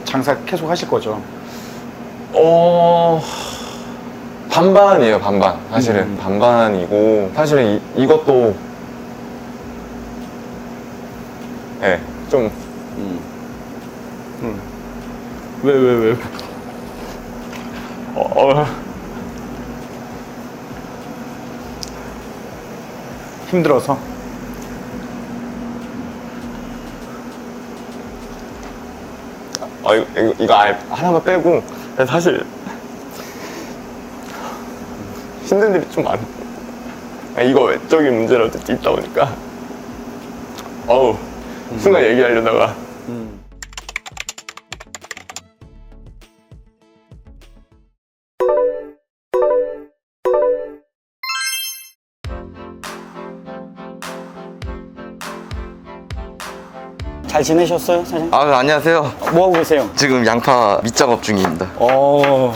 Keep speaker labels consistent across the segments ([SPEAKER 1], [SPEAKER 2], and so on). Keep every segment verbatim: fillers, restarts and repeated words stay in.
[SPEAKER 1] 장사 계속 하실 거죠?
[SPEAKER 2] 어... 반반이에요, 반반. 사실은
[SPEAKER 1] 음.
[SPEAKER 2] 반반이고, 사실은 이, 이것도 네, 좀
[SPEAKER 1] 음. 음. 왜, 왜, 왜?
[SPEAKER 2] 어, 어...
[SPEAKER 1] 힘들어서?
[SPEAKER 2] 아, 이거, 이거, 이거 아예 하나만 빼고 사실 힘든 일이 좀 많아. 아, 이거 외적인 문제라도 있다 보니까 어우 순간 얘기하려다가
[SPEAKER 1] 음. 잘 지내셨어요, 사장님?
[SPEAKER 3] 아, 안녕하세요.
[SPEAKER 1] 뭐 하고 계세요?
[SPEAKER 3] 지금 양파 밑작업 중입니다.
[SPEAKER 1] 어.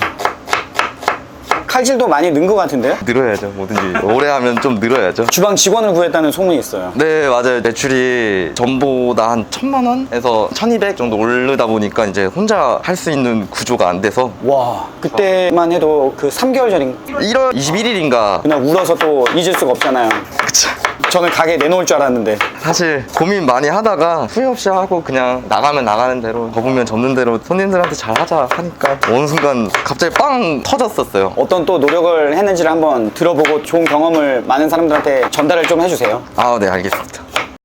[SPEAKER 1] 칼질도 많이 는 것 같은데요?
[SPEAKER 3] 늘어야죠, 뭐든지. 오래 하면 좀 늘어야죠.
[SPEAKER 1] 주방 직원을 구했다는 소문이 있어요.
[SPEAKER 3] 네, 맞아요. 매출이 전보다 한 천만 원에서 천이백 정도 오르다 보니까 이제 혼자 할 수 있는 구조가 안 돼서
[SPEAKER 1] 와, 그때만 해도 그 삼 개월 전인
[SPEAKER 3] 일월 이십일일인가
[SPEAKER 1] 그냥 울어서 또 잊을 수가 없잖아요.
[SPEAKER 3] 그쵸.
[SPEAKER 1] 저는 가게 내놓을 줄 알았는데.
[SPEAKER 3] 사실 고민 많이 하다가 후회 없이 하고 그냥 나가면 나가는 대로 접으면 접는 대로 손님들한테 잘 하자 하니까 어느 순간 갑자기 빵 터졌었어요.
[SPEAKER 1] 어떤 또 노력을 했는지를 한번 들어보고 좋은 경험을 많은 사람들한테 전달을 좀 해주세요.
[SPEAKER 3] 아, 네, 알겠습니다.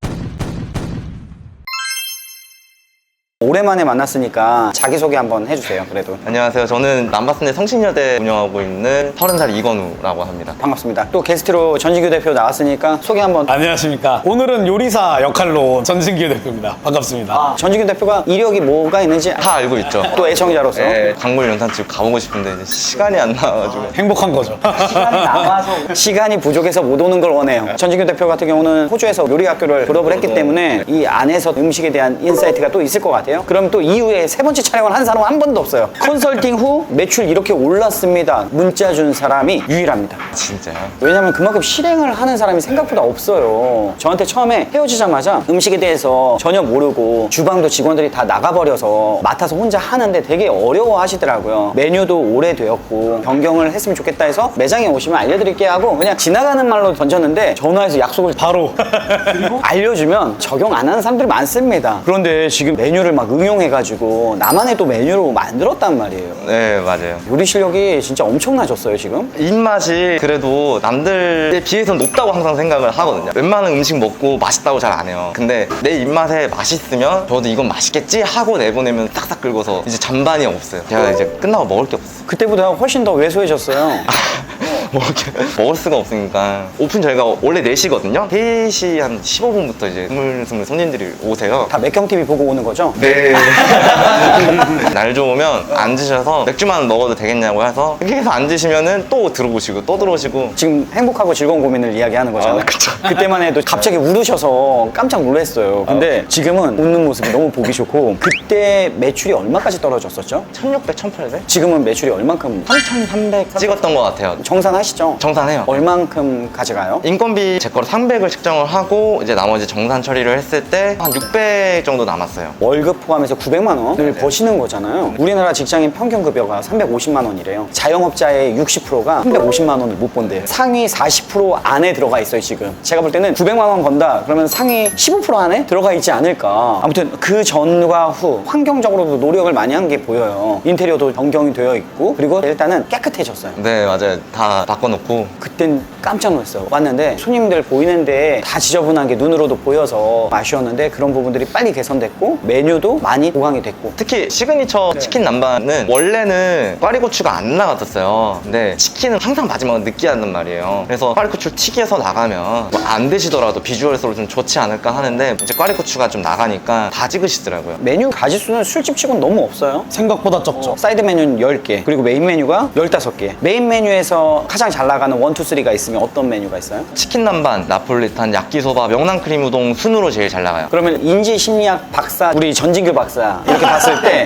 [SPEAKER 1] 오랜만에 만났으니까 자기소개 한번 해주세요. 그래도
[SPEAKER 3] 안녕하세요. 저는 남바스네 성신여대 운영하고 있는 서른 살 이건우라고 합니다.
[SPEAKER 1] 반갑습니다. 또 게스트로 전진규 대표 나왔으니까 소개 한번.
[SPEAKER 4] 안녕하십니까. 오늘은 요리사 역할로 전진규 대표입니다. 반갑습니다.
[SPEAKER 1] 아, 전진규 대표가 이력이 뭐가 있는지
[SPEAKER 3] 다 알고 있죠.
[SPEAKER 1] 또 애청자로서
[SPEAKER 3] 네, 광물 연탄집 가보고 싶은데 이제 시간이 안 나와가지고.
[SPEAKER 4] 행복한 거죠.
[SPEAKER 1] 시간이 남아서 시간이 부족해서 못 오는 걸 원해요. 전진규 대표 같은 경우는 호주에서 요리 학교를 졸업을 했기 때문에 이 안에서 음식에 대한 인사이트가 또 있을 것 같아요. 그럼 또 이후에 세 번째 촬영을 한 사람은 한 번도 없어요. 컨설팅 후 매출 이렇게 올랐습니다. 문자 준 사람이 유일합니다.
[SPEAKER 3] 진짜요?
[SPEAKER 1] 왜냐면 그만큼 실행을 하는 사람이 생각보다 없어요. 저한테 처음에 헤어지자마자 음식에 대해서 전혀 모르고 주방도 직원들이 다 나가버려서 맡아서 혼자 하는데 되게 어려워 하시더라고요. 메뉴도 오래되었고 변경을 했으면 좋겠다 해서 매장에 오시면 알려드릴게 하고 그냥 지나가는 말로 던졌는데 전화해서 약속을
[SPEAKER 4] 바로.
[SPEAKER 1] 그리고 알려주면 적용 안 하는 사람들이 많습니다. 그런데 지금 메뉴를 막 응용해가지고 나만의 또 메뉴로 만들었단 말이에요.
[SPEAKER 3] 네, 맞아요.
[SPEAKER 1] 요리 실력이 진짜 엄청나졌어요, 지금.
[SPEAKER 3] 입맛이 그래도 남들에 비해서는 높다고 항상 생각을 하거든요. 웬만한 음식 먹고 맛있다고 잘 안 해요. 근데 내 입맛에 맛있으면 저도 이건 맛있겠지 하고 내보내면 싹싹 긁어서 이제 잔반이 없어요. 제가 이제 끝나고 먹을 게 없어요.
[SPEAKER 1] 그때보다 훨씬 더 왜소해졌어요.
[SPEAKER 3] 먹을, 게, 먹을 수가 없으니까. 오픈 저희가 원래 네 시거든요. 세 시 한 십오 분부터 이제 스물스물 손님들이 오세요.
[SPEAKER 1] 다 맥경티비 보고 오는 거죠?
[SPEAKER 3] 네. 날 좋으면 앉으셔서 맥주만 먹어도 되겠냐고 해서 이렇게 해서 앉으시면은 또 들어오시고 또 들어오시고.
[SPEAKER 1] 지금 행복하고 즐거운 고민을 이야기하는 거잖아요.
[SPEAKER 3] 아, 그쵸.
[SPEAKER 1] 그때만 해도 갑자기 울으셔서 깜짝 놀랐어요. 근데 지금은 웃는 모습이 너무 보기 좋고 그때 매출이 얼마까지 떨어졌었죠?
[SPEAKER 3] 천육백, 천팔백?
[SPEAKER 1] 지금은 매출이 얼만큼?
[SPEAKER 3] 삼천삼백 찍었던 것 같아요.
[SPEAKER 1] 정산하시죠?
[SPEAKER 3] 정산해요.
[SPEAKER 1] 얼만큼 가져가요?
[SPEAKER 3] 인건비 제 거로 삼백을 책정을 하고 이제 나머지 정산 처리를 했을 때 한 육백 정도 남았어요.
[SPEAKER 1] 월급 포함해서 구백만 원을 버시는 거잖아요. 우리나라 직장인 평균 급여가 삼백오십만 원이래요. 자영업자의 육십 퍼센트가 삼백오십만 원을 못 본대요. 상위 사십 퍼센트 안에 들어가 있어요, 지금. 제가 볼 때는 구백만 원 번다 그러면 상위 십오 퍼센트 안에 들어가 있지 않을까. 아무튼 그 전과 후 환경적으로도 노력을 많이 한 게 보여요. 인테리어도 변경이 되어 있고 그리고 일단은 깨끗해졌어요.
[SPEAKER 3] 네, 맞아요. 다 바꿔놓고.
[SPEAKER 1] 그땐 깜짝 놀랐어요. 왔는데 손님들 보이는데 다 지저분한 게 눈으로도 보여서 아쉬웠는데 그런 부분들이 빨리 개선됐고 메뉴도 많이 보강이 됐고.
[SPEAKER 3] 특히 시그니처 치킨 남반은 원래는 꽈리고추가 안 나갔었어요. 근데 치킨은 항상 마지막은 느끼하단 말이에요. 그래서 꽈리고추를 튀겨서 나가면 뭐 안 드시더라도 비주얼적으로 좀 좋지 않을까 하는데 이제 꽈리고추가 좀 나가니까 다 찍으시더라고요.
[SPEAKER 1] 메뉴 가짓수는 술집치고는 너무 없어요.
[SPEAKER 4] 생각보다 적죠.
[SPEAKER 1] 사이드 메뉴는 열 개 그리고 메인 메뉴가 열다섯 개. 메인 메뉴에서 가장 잘 나가는 일, 이, 삼가 있으면 어떤 메뉴가 있어요?
[SPEAKER 3] 치킨 남반, 나폴리탄, 야끼소바, 명란크림 우동 순으로 제일 잘 나가요.
[SPEAKER 1] 그러면 인지 심리학 박사 우리 전진규 박사 이렇게 봤을 때 소비자를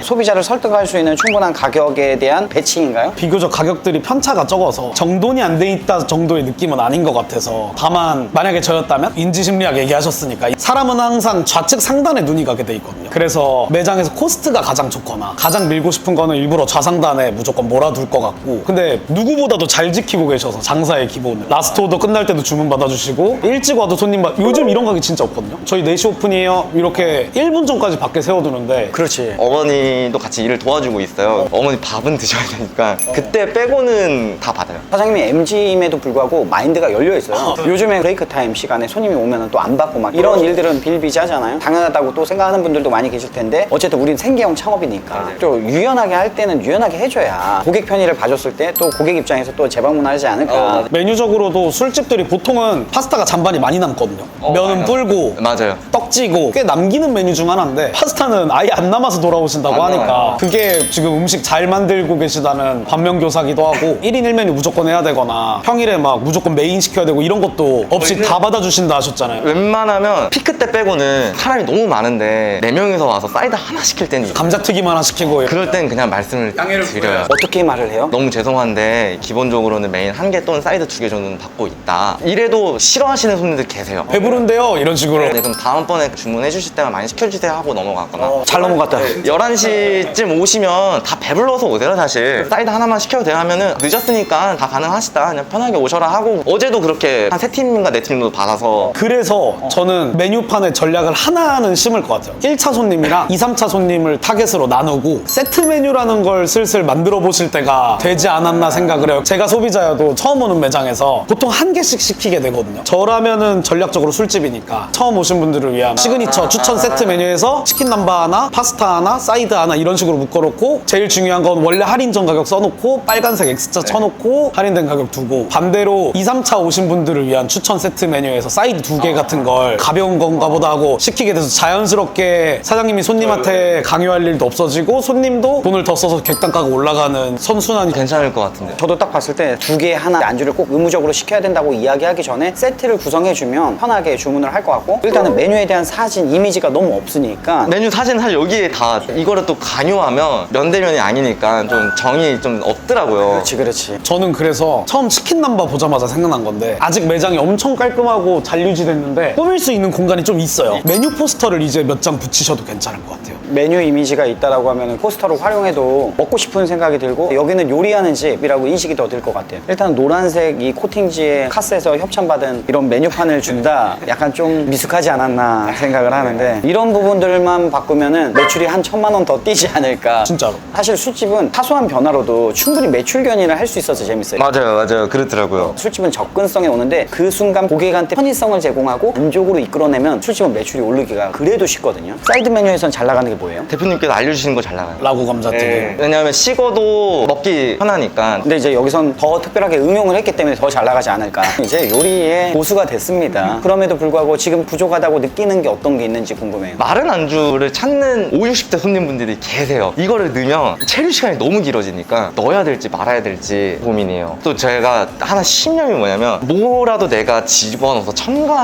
[SPEAKER 1] 설득할 수 있는 충분한 가격에 대한 배치인가요?
[SPEAKER 4] 비교적 가격들이 편차가 적어서 정돈이 안 돼 있다 정도의 느낌은 아닌 것 같아서, 다만 만약에 저였다면 인지심리학 얘기하셨으니까 사람은 항상 좌측 상단에 눈이 가게 돼 있거든요. 그래서 매장에서 코스트가 가장 좋거나 가장 밀고 싶은 거는 일부러 좌상단에 무조건 몰아둘 것 같고, 근데 누구보다도 잘 지키고 계셔서 장사의 기본을 라스트 오더 끝날 때도 주문 받아주시고 일찍 와도 손님 받... 요즘 이런 가게 진짜 없거든요. 저희 네 시 오픈이에요 이렇게 일 분 전까지 밖에 세워두는데.
[SPEAKER 1] 그렇지.
[SPEAKER 3] 어머니도 같이 일을 도와주고 있어요. 어머니 밥은 드셔야 되니까 그때 빼고는 다 받아요.
[SPEAKER 1] 사장님이 엠지임에도 불구하고 마인드가 열려 있어요. 요즘에 브레이크 타임 시간에 손님이 오면 또 안 받고 막 이런 일들은 비일비재하잖아요. 당연하다고 또 생각하는 분들도 많이 계실 텐데, 어쨌든 우린 생계형 창업이니까 또 유연하게 할 때는 유연하게 해줘야 고객 편의를 봐줬을 때 또 고객 입장에서 또 재방문하지 않을까.
[SPEAKER 4] 메뉴적으로도 술집들이 보통은 파스타가 잔반이 많이 남거든요. 면은
[SPEAKER 3] 맞아요.
[SPEAKER 4] 불고
[SPEAKER 3] 맞아요.
[SPEAKER 4] 떡지고 꽤 남기는 메뉴 중 하나인데, 파스타는 아예 안 남아서 돌아오신다고
[SPEAKER 3] 안
[SPEAKER 4] 하니까
[SPEAKER 3] 남아요.
[SPEAKER 4] 그게 지금 음식 잘 만들고 계시다는 반면교사기도 하고, 일 인 일 메뉴 무조건 해야 되거나 평일에 막 무조건 메인 시켜야 되고 이런 것도 없이
[SPEAKER 3] 저희는
[SPEAKER 4] 다 받아주신다 하셨잖아요.
[SPEAKER 3] 웬만하면 피크 때 빼고는 사람이 너무 많은데 네 명이서 와서 사이드 하나 시킬 때는 있어요.
[SPEAKER 4] 감자튀김 하나 시키고.
[SPEAKER 3] 그럴 땐 그냥 말씀을 드려요.
[SPEAKER 1] 어떻게 말을 해요?
[SPEAKER 3] 너무 죄송한데 기본적으로는 메인 한 개 또는 사이드 두 개 정도는 받고 있다. 이래도 싫어하시는 손님들 계세요.
[SPEAKER 4] 배부른데요? 이런 식으로.
[SPEAKER 3] 네, 그럼 다음번에 주문해 주실 때만 많이 시켜주세요 하고 넘어가거나.
[SPEAKER 1] 잘 넘어갔다.
[SPEAKER 3] 열한 시쯤 오시면 다 배불러서 오세요 사실. 사이드 하나만 시켜도 돼요 하면은 늦었으니까 다 가능하시다 그냥 편하게 오셔라 하고, 어제도 그렇게 한 세 팀인가 네 팀 정도 받아서.
[SPEAKER 4] 그래서 저는 메뉴판의 전략을 하나는 심을 것 같아요. 일 차 손님이랑 이, 삼 차 손님을 타겟으로 나누고 세트 메뉴라는 걸 슬슬 만들어 보실 때가 되지 않았나 생각을 해요. 제가 소비자여도 처음 오는 매장에서 보통 한 개씩 시키게 되거든요. 저라면은 전략적으로 술집이니까 처음 오신 분들을 위한 시그니처 추천 세트 메뉴에서 치킨 남바 하나, 파스타 하나, 사이드 하나 이런 식으로 묶어놓고, 제일 중요한 건 원래 할인 전 가격 써놓고 빨간색 X자 쳐놓고 할인된 가격 두고, 반대로 이, 삼 차 오신 분들을 위한 추천 세트 메뉴에서 사이드 두 개 같은 걸 가벼운 건가 보다 하고 시키게 돼서 자연스럽게 사장님이 손님한테 강요할 일도 없어지고 손님도 돈을 더 써서 객단가가 올라가는 선순환이.
[SPEAKER 3] 괜찮을 것 같은데.
[SPEAKER 1] 저도 딱 봤을 때 두 개 하나 안주를 꼭 의무적으로 시켜야 된다고 이야기하기 전에 세트를 구성해주면 편하게 주문을 할 것 같고, 일단은 메뉴에 대한 사진, 이미지가 너무 없으니까
[SPEAKER 3] 메뉴 사진 사실 여기에 다 이거를 또 강요하면 면대면이 아니니까 좀 정이 좀 없더라고요.
[SPEAKER 1] 그렇지 그렇지.
[SPEAKER 4] 저는 그래서 처음 치킨 남바 보자마자 생각난 건데, 아직 매장이 엄청 깔끔하고 잘 유지됐는데 꾸밀 수 있는 공간이 좀 있어요. 메뉴 포스터를 이제 몇 장 붙이셔도 괜찮을 것 같아요.
[SPEAKER 1] 메뉴 이미지가 있다라고 하면 포스터로 활용해도 먹고 싶은 생각이 들고, 여기는 요리하는 집이라고 인식이 더 들 것 같아요. 일단 노란색 이 코팅지에 카스에서 협찬받은 이런 메뉴판을 준다, 약간 좀 미숙하지 않았나 생각을 하는데, 이런 부분들만 바꾸면은 매출이 한 천만 원 더 뛰지 않을까.
[SPEAKER 4] 진짜로.
[SPEAKER 1] 사실 술집은 사소한 변화로도 충분히 매출 견인을 할 수 있어서 재밌어요.
[SPEAKER 3] 맞아요, 맞아요. 그렇더라고요.
[SPEAKER 1] 술집은 접근성에 오는데 그 순간 고객한테 편의성을 제공하고 만족으로 이끌어내면 술집은 매출이 오르기가 그래도 쉽거든요. 사이드 메뉴에선 잘 나가는 게 뭐예요?
[SPEAKER 3] 대표님께서 알려주시는 거 잘 나가요.
[SPEAKER 4] 라구 감자튀김.
[SPEAKER 3] 네. 왜냐하면 식어도 먹기 편하니까.
[SPEAKER 1] 근데 이제 여기선 더 특별하게 응용을 했기 때문에 더 잘 나가지 않을까. 이제 요리의 고수가 됐습니다. 그럼에도 불구하고 지금 부족하다고 느끼는 게 어떤 게 있는지 궁금해요.
[SPEAKER 3] 마른 안주를 찾는 오십, 육십 대 손님분들이 계세요. 이거를 넣으면 체류 시간이 너무 길어지니까 넣어야 될지 말아야 될지 고민이에요. 또 제가 하나 신념이 뭐냐면, 뭐라도 내가 집어넣어서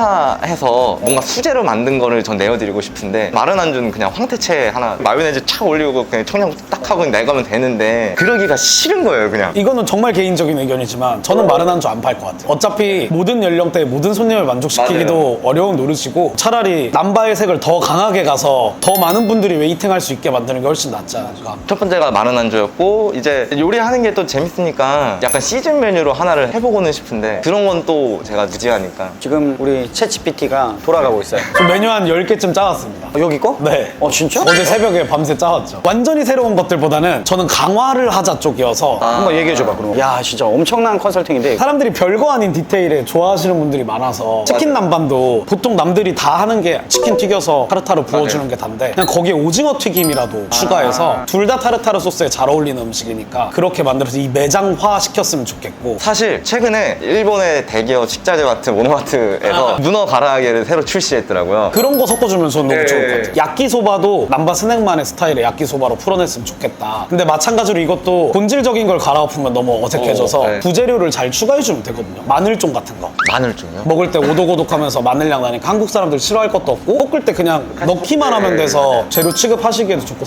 [SPEAKER 3] 첨가해서 뭔가 수제로 만든 거를 전 내어드리고 싶은데, 마른 안주는 그냥 황태채 하나 마요네즈 착 올리고 그냥 청양 딱 하고 내가면 되는데, 그러기가 싫은 거예요 그냥.
[SPEAKER 4] 이거는 정말 개인적인 의견이지만 저는 마른 안주 안 팔 것 같아요. 어차피 모든 연령대의 모든 손님을 만족시키기도 어려운 노릇이고, 차라리 남바의 색을 더 강하게 가서 더 많은 분들이 웨이팅할 수 있게 만드는 게 훨씬 낫지 않을까.
[SPEAKER 3] 첫 번째가 마른 안주였고, 이제 요리하는 게 또 재밌으니까 약간 시즌 메뉴로 하나를 해보고는 싶은데, 그런 건 또 제가 무지하니까.
[SPEAKER 1] 지금 우리 챗지피티가 돌아가고 있어요.
[SPEAKER 4] 저 메뉴 한 열 개쯤 짜왔습니다.
[SPEAKER 1] 어, 여기 거?
[SPEAKER 4] 네.
[SPEAKER 1] 어, 진짜?
[SPEAKER 4] 어제 새벽에 밤새 짜왔죠. 완전히 새로운 것들보다는 저는 강화를 하자 쪽이어서
[SPEAKER 1] 한번 얘기해줘봐, 그럼. 야, 진짜 엄청난 컨설팅인데.
[SPEAKER 4] 사람들이 별거 아닌 디테일에 좋아하시는 분들이 많아서, 치킨 남반도 보통 남들이 다 하는 게 치킨 튀겨서 타르타르 부어주는
[SPEAKER 3] 맞아요.
[SPEAKER 4] 게 단데, 그냥 거기에 오징어 튀김이라도 추가해서 둘 다 타르타르 소스에 잘 어울리는 음식이니까 그렇게 만들어서 이 매장화 시켰으면 좋겠고.
[SPEAKER 3] 사실 최근에 일본의 대기업 식자재 마트 모노마트에서 문어 가라아게를 새로 출시했더라고요.
[SPEAKER 4] 그런 거 섞어주면 저는 너무
[SPEAKER 3] 네.
[SPEAKER 4] 좋을 것 같아요. 야끼소바도 남바 스낵만의 스타일의 야끼소바로 풀어냈으면 좋겠다. 근데 마찬가지로 이것도 본질적인 걸 갈아엎으면 너무 어색해져서
[SPEAKER 3] 어, 네.
[SPEAKER 4] 부재료를 잘 추가해주면 되거든요. 마늘종 같은 거.
[SPEAKER 3] 마늘종이요?
[SPEAKER 4] 먹을 때 오독오독하면서 마늘향 나니까 한국 사람들 싫어할 것도 없고, 볶을 때 그냥 넣기만 하면 돼서 재료 취급하시기에도 좋고 싸기도 싸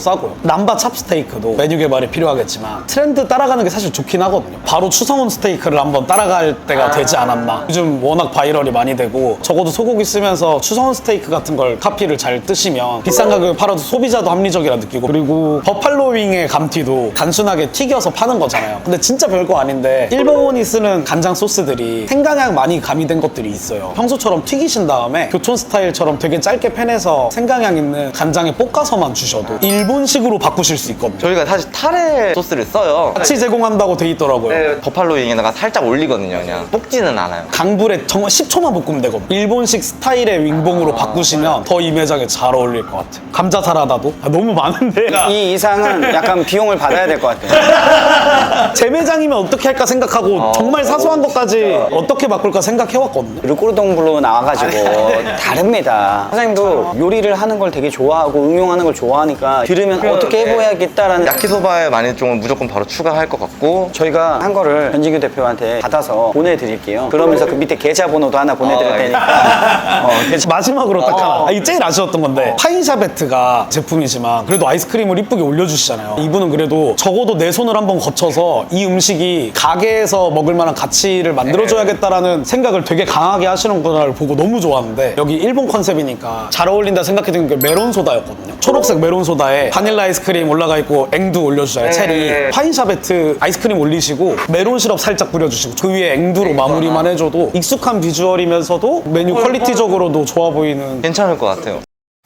[SPEAKER 4] 싸고요. 남바 찹스테이크도 메뉴 개발이 필요하겠지만 트렌드 따라가는 게 사실 좋긴 하거든요. 바로 추성훈 스테이크를 한번 따라갈 때가 되지 않았나. 요즘 워낙 바이럴이 많이 되고 적어도 소고기 쓰면서 추성훈 스테이크 같은 걸 카피를 잘 뜨시면 비싼 가격에 팔아도 소비자도 합리적이라 느끼고, 그리고 버팔로 윙의 감튀도 단순하게 튀겨서 파는 거잖아요. 근데 진짜 별거 아닌데 일본이 쓰는 간장 소스들이 생강향 많이 가미된 것들이 있어요. 평소처럼 튀기신 다음에 교촌 스타일처럼 되게 짧게 팬해서 생강향 있는 간장에 볶아서만 주셔도 일본식으로 바꾸실 수 있거든요.
[SPEAKER 3] 저희가 사실 타레 소스를 써요.
[SPEAKER 4] 같이 제공한다고 돼 있더라고요.
[SPEAKER 3] 네, 버팔로 윙에다가 살짝 올리거든요. 그냥 볶지는 않아요.
[SPEAKER 4] 강불에 정말 십 초만 볶으면 되거든요. 일본식 스타일의 윙봉으로 바꾸시면 더 이 매장에 잘 어울릴 것 같아요. 감자 사라다도 아, 너무 많은데
[SPEAKER 1] 이 이상은 약간 비용을 받아야 될 것 같아요.
[SPEAKER 4] 제 매장이면 어떻게 할까 생각하고 정말 사소한 것까지 어떻게 바꿀까 생각해왔거든요.
[SPEAKER 1] 르꼬르동블로 나와가지고 다릅니다. 사장님도 요리를 하는 걸 되게 좋아하고 응용하는 걸 좋아하니까 들으면 어떻게 해보야겠다라는
[SPEAKER 3] 야키소바에 만일종은 무조건 바로 추가할 것 같고,
[SPEAKER 1] 저희가 한 거를 변진규 대표한테 받아서 보내드릴게요. 그러면서 그 밑에 계좌번호도 하나 보내드릴 테니까 어, 계좌-
[SPEAKER 4] 마지막으로 딱 하나. 아, 이게 제일 아쉬웠던 건데 파인샤베트가 제품이지만 그래도 아이스크림을 이쁘게 올려주시잖아요. 이분은 그래도 적어도 내 손을 한번 거쳐서 이 음식이 가게에서 먹을 만한 가치를 만들어줘야겠다라는 생각을 되게 강하게 하시는구나를 보고 너무 좋았는데, 여기 일본 컨셉이니까 잘 어울린다 생각했던 게 메론 소다였거든요. 초록색 메론 소다에 바닐라 아이스크림 올라가 있고 앵두 올려주잖아요. 체리. 파인샤베트 아이스크림 올리시고 메론 시럽 살짝 뿌려주시고 그 위에 앵두로 마무리만 해줘도 익숙한 비주얼이면서도 메뉴 퀄리티적으로도 좋아 보이는.
[SPEAKER 3] 괜찮을 것 같아요.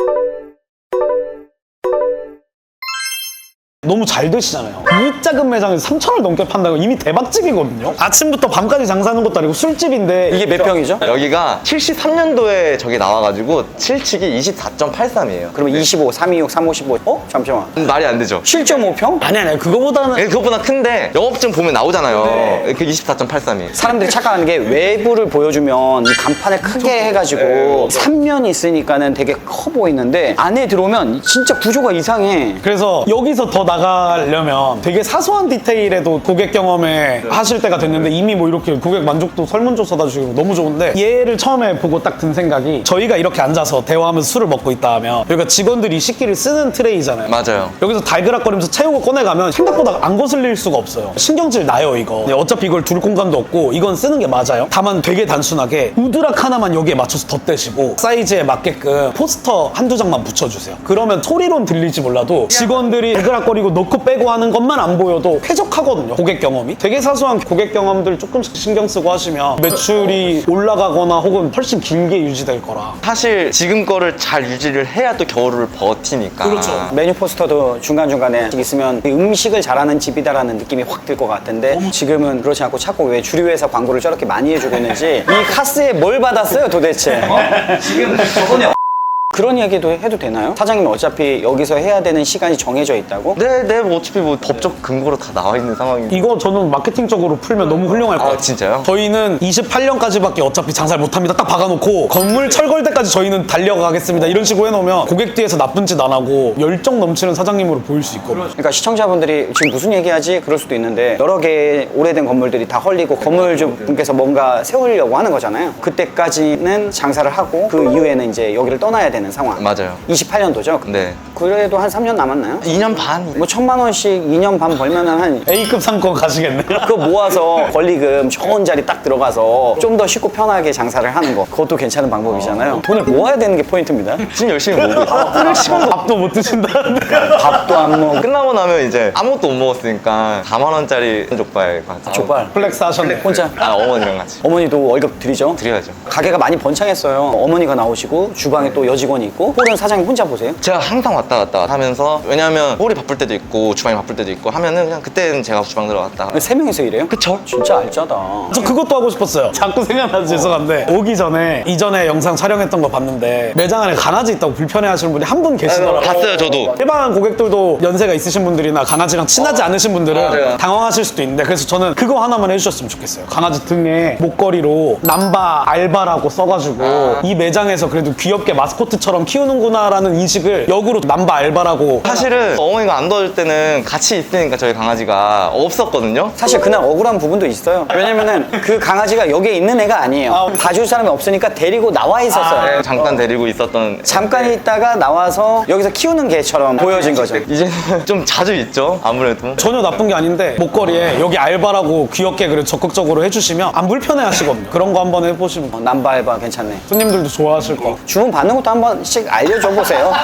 [SPEAKER 4] 너무 잘 되시잖아요. 이 작은 매장에서 삼천 원 넘게 판다고 이미 대박집이거든요. 아침부터 밤까지 장사하는 것도 아니고 술집인데
[SPEAKER 1] 이게 몇 평이죠?
[SPEAKER 3] 여기가 칠십삼 년도에 저기 나와가지고 칠칙이 이십사 점 팔삼이에요.
[SPEAKER 1] 그러면 이십오, 삼이육, 삼오십오. 어? 잠시만.
[SPEAKER 3] 말이 안 되죠.
[SPEAKER 1] 칠 점 오 평?
[SPEAKER 4] 아니 아니 그거보다는
[SPEAKER 3] 예, 그것보다 큰데 영업증 보면 나오잖아요. 그 이십사 점 팔삼이에요.
[SPEAKER 1] 사람들이 착각하는 게 외부를 보여주면 이 간판을 크게 해가지고 삼 면 있으니까는 되게 커 보이는데 안에 들어오면 진짜 구조가 이상해.
[SPEAKER 4] 그래서 여기서 더 나가려면 되게 사소한 디테일에도 고객 경험에 하실 때가 됐는데 이미 뭐 이렇게 고객 만족도 설문조사다 주시고 너무 좋은데, 얘를 처음에 보고 딱 든 생각이 저희가 이렇게 앉아서 대화하면서 술을 먹고 있다 하면 여기가 직원들이 식기를 쓰는 트레이잖아요.
[SPEAKER 3] 맞아요.
[SPEAKER 4] 여기서 달그락거리면서 채우고 꺼내가면 생각보다 안 거슬릴 수가 없어요. 신경질 나요 이거. 근데 어차피 이걸 둘 공간도 없고 이건 쓰는 게 맞아요. 다만 되게 단순하게 우드락 하나만 여기에 맞춰서 덧대시고 사이즈에 맞게끔 포스터 한두 장만 붙여주세요. 그러면 소리론 들릴지 몰라도 직원들이 달그락거리고 넣고 빼고 하는 것만 안 보여도 쾌적하거든요. 고객 경험이. 되게 사소한 고객 경험들 조금씩 신경 쓰고 하시면 매출이 올라가거나 혹은 훨씬 길게 유지될 거라.
[SPEAKER 3] 사실 지금 거를 잘 유지를 해야 또 겨울을 버티니까.
[SPEAKER 4] 그렇죠.
[SPEAKER 1] 메뉴 포스터도 중간중간에 있으면 음식을 잘하는 집이다라는 느낌이 확 들 것 같은데 지금은 그렇지 않고 자꾸 왜 주류회사 광고를 저렇게 많이 해주고 있는지 이 카스에 뭘 받았어요 도대체?
[SPEAKER 3] 지금 저번에
[SPEAKER 1] 그런 이야기도 해도 되나요? 사장님은 어차피 여기서 해야 되는 시간이 정해져 있다고?
[SPEAKER 3] 네, 네, 뭐 어차피 뭐 법적 근거로 다 나와 있는 상황인데.
[SPEAKER 4] 이거 저는 마케팅적으로 풀면 너무 훌륭할 것
[SPEAKER 3] 아,
[SPEAKER 4] 같아요.
[SPEAKER 3] 진짜요?
[SPEAKER 4] 저희는 이십팔 년까지밖에 어차피 장사를 못합니다. 딱 박아놓고 건물 철거할 때까지 저희는 달려가겠습니다. 이런 식으로 해놓으면 고객 뒤에서 나쁜 짓 안 하고 열정 넘치는 사장님으로 보일 수 있거든요.
[SPEAKER 1] 그러니까 시청자분들이 지금 무슨 얘기하지? 그럴 수도 있는데 여러 개의 오래된 건물들이 다 헐리고 건물주분께서 뭔가 세우려고 하는 거잖아요. 그때까지는 장사를 하고 그 이후에는 이제 여기를 떠나야 되는 상황.
[SPEAKER 3] 맞아요.
[SPEAKER 1] 이십팔 년도죠?
[SPEAKER 3] 네.
[SPEAKER 1] 그래도 한 삼 년 남았나요?
[SPEAKER 3] 이 년 반.
[SPEAKER 1] 뭐 천만 원씩 이 년 반 벌면은 한
[SPEAKER 4] A급 상권 가시겠네요.
[SPEAKER 1] 그거 모아서 권리금 좋은 자리 딱 들어가서 좀 더 쉽고 편하게 장사를 하는 거, 그것도 괜찮은 방법이잖아요. 돈을 모아야 되는 게 포인트입니다.
[SPEAKER 3] 지금 열심히 모으고 있어요.
[SPEAKER 4] 끊을 시간도 밥도 못 드신다는데.
[SPEAKER 1] 밥도 안 먹고
[SPEAKER 3] 끝나고 나면 이제 아무것도 못 먹었으니까 사만 원짜리 족발 가서.
[SPEAKER 1] 족발
[SPEAKER 4] 플렉스 하셨네.
[SPEAKER 1] 혼자.
[SPEAKER 3] 아, 어머니랑 같이.
[SPEAKER 1] 어머니도 월급 드리죠?
[SPEAKER 3] 드려야죠.
[SPEAKER 1] 가게가 많이 번창했어요. 어머니가 나오시고 주방에 또 여직원이 있고 홀은 사장님 혼자 보세요?
[SPEAKER 3] 제가 항상 왔다 갔다 하면서, 왜냐면 홀이 바쁠 때도 있고 주방이 바쁠 때도 있고 하면은 그냥 그때는 제가 주방 들어갔다.
[SPEAKER 1] 세 명이서 일해요?
[SPEAKER 3] 그쵸?
[SPEAKER 1] 진짜 알짜다.
[SPEAKER 4] 저 그것도 하고 싶었어요. 자꾸 생각나서 죄송한데 오기 전에 이전에 영상 촬영했던 거 봤는데 매장 안에 강아지 있다고 불편해하시는 분이 한 분 계시더라고요.
[SPEAKER 3] 봤어요, 저도.
[SPEAKER 4] 일반 고객들도 연세가 있으신 분들이나 강아지랑 친하지 않으신 분들은
[SPEAKER 3] 맞아요.
[SPEAKER 4] 당황하실 수도 있는데, 그래서 저는 그거 하나만 해주셨으면 좋겠어요. 강아지 등에 목걸이로 남바 알바라고 써가지고 이 매장에서 그래도 귀엽게 마스코트 것처럼 키우는구나라는 인식을 역으로 남바 알바라고.
[SPEAKER 3] 사실은 어머니가 안 도와줄 때는 같이 있으니까 저희 강아지가 없었거든요.
[SPEAKER 1] 사실 그날 억울한 부분도 있어요. 왜냐면은 그 강아지가 여기에 있는 애가 아니에요.
[SPEAKER 4] 아,
[SPEAKER 1] 봐줄 사람이 없으니까 데리고 나와 있었어요.
[SPEAKER 3] 네, 잠깐 데리고 있었던.
[SPEAKER 1] 잠깐 있다가 나와서 여기서 키우는 개처럼 보여진 거죠.
[SPEAKER 3] 이제는 좀 자주 있죠, 아무래도.
[SPEAKER 4] 전혀 나쁜 게 아닌데 목걸이에 여기 알바라고 귀엽게 그래 적극적으로 해주시면 안 불편해 하시거든요. 그런 거 한번 해보시면
[SPEAKER 1] 어, 남발바 괜찮네.
[SPEAKER 4] 손님들도 좋아하실 거.
[SPEAKER 1] 주문 받는 것도 한 번씩 알려줘 보세요.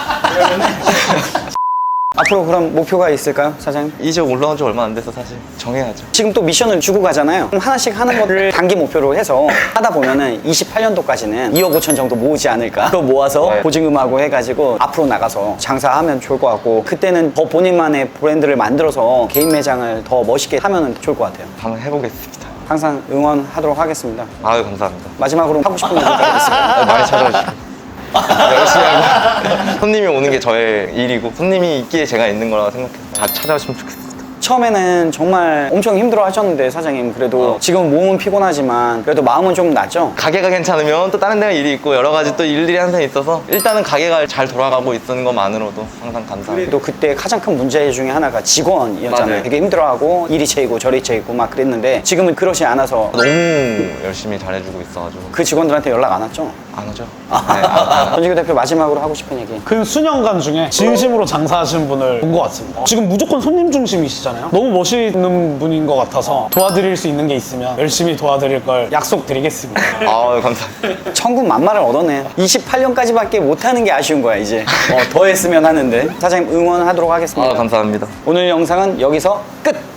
[SPEAKER 1] 앞으로 그럼 목표가 있을까요, 사장님?
[SPEAKER 3] 이 지역 올라온 지 얼마 안 돼서 사실 정해야죠.
[SPEAKER 1] 지금 또 미션을 주고 가잖아요. 그럼 하나씩 하는 거를 단기 목표로 해서 하다 보면은 이십팔 년도까지는 이억 오천 정도 모으지 않을까. 그거 모아서
[SPEAKER 3] 네.
[SPEAKER 1] 보증금하고 해가지고 앞으로 나가서 장사하면 좋을 것 같고, 그때는 더 본인만의 브랜드를 만들어서 개인 매장을 더 멋있게 하면 좋을 것 같아요.
[SPEAKER 3] 한번 해보겠습니다.
[SPEAKER 1] 항상 응원하도록 하겠습니다.
[SPEAKER 3] 아유, 감사합니다.
[SPEAKER 1] 마지막으로 하고 싶은 얘기가 있을까요?
[SPEAKER 3] 아, 많이 찾아주시고. 열심히 하고. 손님이 오는 게 저의 일이고, 손님이 있기에 제가 있는 거라고 생각해서 다 찾아오시면 좋겠습니다.
[SPEAKER 1] 처음에는 정말 엄청 힘들어 하셨는데, 사장님 그래도
[SPEAKER 3] 어.
[SPEAKER 1] 지금 몸은 피곤하지만 그래도 마음은 좀 낫죠?
[SPEAKER 3] 가게가 괜찮으면 또 다른 데가 일이 있고 여러 가지 또 일들이 항상 있어서 일단은 가게가 잘 돌아가고 있는 것만으로도 항상 감사합니다.
[SPEAKER 1] 또 그때 가장 큰 문제 중에 하나가 직원이었잖아요.
[SPEAKER 3] 맞아요.
[SPEAKER 1] 되게 힘들어하고 이리 채이고 저리 채이고 막 그랬는데 지금은 그러지 않아서
[SPEAKER 3] 너무 열심히 잘해주고 있어가지고
[SPEAKER 1] 그 직원들한테 연락 안 왔죠?
[SPEAKER 3] 안 오죠? 네, 안, 안,
[SPEAKER 1] 전지규 대표 마지막으로 하고 싶은 얘기.
[SPEAKER 4] 근 수년간 중에 진심으로 장사하시는 분을 본 것 같습니다. 지금 무조건 손님 중심이시잖아요. 너무 멋있는 분인 것 같아서 도와드릴 수 있는 게 있으면 열심히 도와드릴 걸 약속드리겠습니다.
[SPEAKER 3] 아유, 감사합니다.
[SPEAKER 1] 천군 만마를 얻었네. 이십팔 년까지밖에 못하는 게 아쉬운 거야 이제. 어, 더 했으면 하는데. 사장님 응원하도록 하겠습니다.
[SPEAKER 3] 아, 감사합니다.
[SPEAKER 1] 오늘 영상은 여기서 끝!